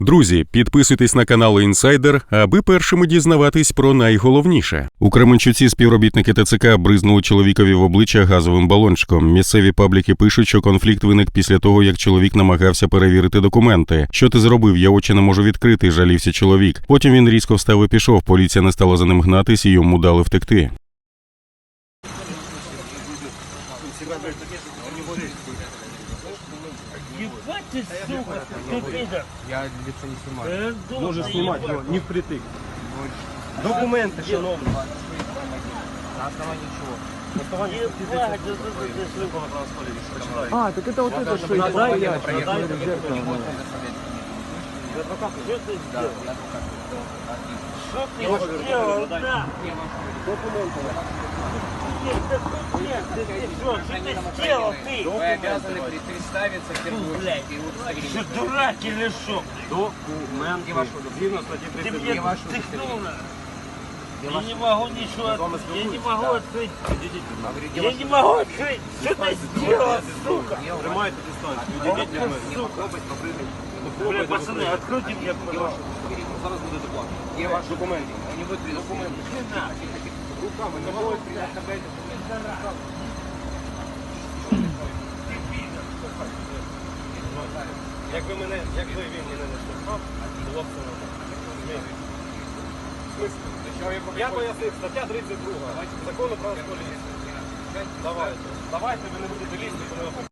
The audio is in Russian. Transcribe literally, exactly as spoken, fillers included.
Друзі, підписуйтесь на канал Інсайдер, аби першими дізнаватись про найголовніше. У Кременчуці співробітники ТЦК бризнули чоловікові в обличчя газовим балончиком. Місцеві пабліки пишуть, що конфлікт виник після того, як чоловік намагався перевірити документи. «Що ти зробив? Я очі не можу відкрити», – жалівся чоловік. Потім він різко встав і пішов. Поліція не стала за ним гнатись і йому дали втекти. Ебать ты, сука, ты пидор. Я лицо не снимаю. Можешь снимать, но не впритык. Документы, шановні. На основании чего? На основании Ебать, да ты, ты, ты, сука. А, так это вот это, что на я основании я проверки знаю, документов зеркало, не да. можно доставлять. Адвокат, что ты Да, сделал? я адвокат. Что ты сделал, да? Не, вам Документы. Нет, документ, ты, ты что, что ты сделал, ты? Вы обязаны представиться в первую Блядь, очередь и удостоверить. что, дурак или что? Документы. Где ваши Згідно статті Ты тридцять мне Где ваше втыкнул на... Где Я ваше- не могу ничего Я с вами открыть, я не спілкуюсь. могу Да. открыть. Говорю, где Я ваше не могу открыть, что ты сделал, сука? Где у вас- Тримайте дистанцію. Ох Відійдіть ти, від мене. сука. Пробуйте Бля, пацаны, закрити. откройте мне, пожалуйста. Зараз буде доплата. Где ваши Документи. Не будет документы. Не надо. Руками не можуть представити. Якби мене, якби він мене не штовхав, було б все нормально. В смислі? Я пояснив, стаття тридцять друга закону про поліцію. Давайте. Давайте ви не будете лізти, коли